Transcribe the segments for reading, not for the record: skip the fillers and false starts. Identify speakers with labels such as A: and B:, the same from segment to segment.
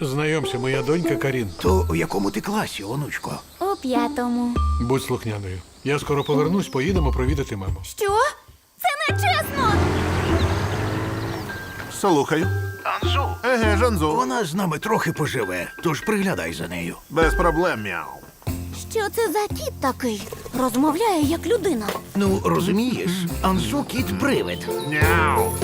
A: Знайомся, моя донька Карін.
B: То у якому ти класі, онучко?
C: У 5-му.
A: Будь слухняною. Я скоро повернусь, поїдемо провідати маму.
C: Що? Це не чесно!
D: Слухаю.
B: Анзу.
D: Еге, Жанзу.
B: Вона з нами трохи поживе, тож приглядай за нею.
D: Без проблем, мяу.
C: Що це за кіт такий? Розмовляє як людина.
B: Ну, розумієш, Анзу кіт-привид.
D: Няу.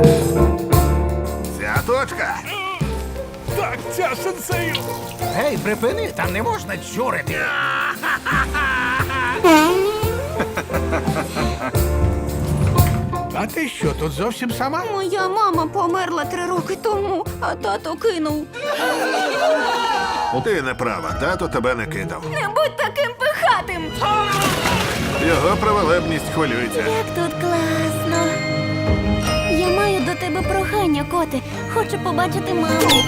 D: Ця точка.
A: Так, ця сенсею!
B: Гей, припини, там не можна чурити.
A: А ти що, тут зовсім сама?
C: Моя мама померла 3 роки тому, а тато кинув.
D: Ти не права, тато тебе не кидав.
C: Не будь таким пихатим!
D: Його праволебність хвилюється.
C: Як тут класно. Я маю до тебе прохання, коти. Хочу побачити маму.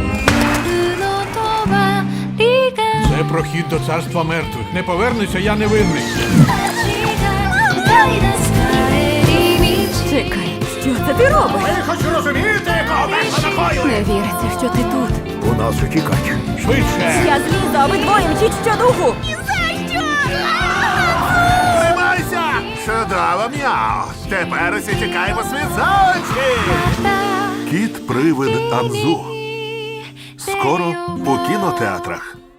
A: Це прохід до царства мертвих. Не повернуся, я невинний.
E: Чекай, що це ти робиш?
B: Я хочу розуміти, кого
E: Не віриться, що ти тут.
B: У нас утікач.
A: Швидше!
E: Я злізу, а ви двоє мчіть щодуху.
D: Тримайся! Чудово, мяу. Тепер усі тікаємо світ за очі. Кіт-привид Анзу. Скоро у кінотеатрах.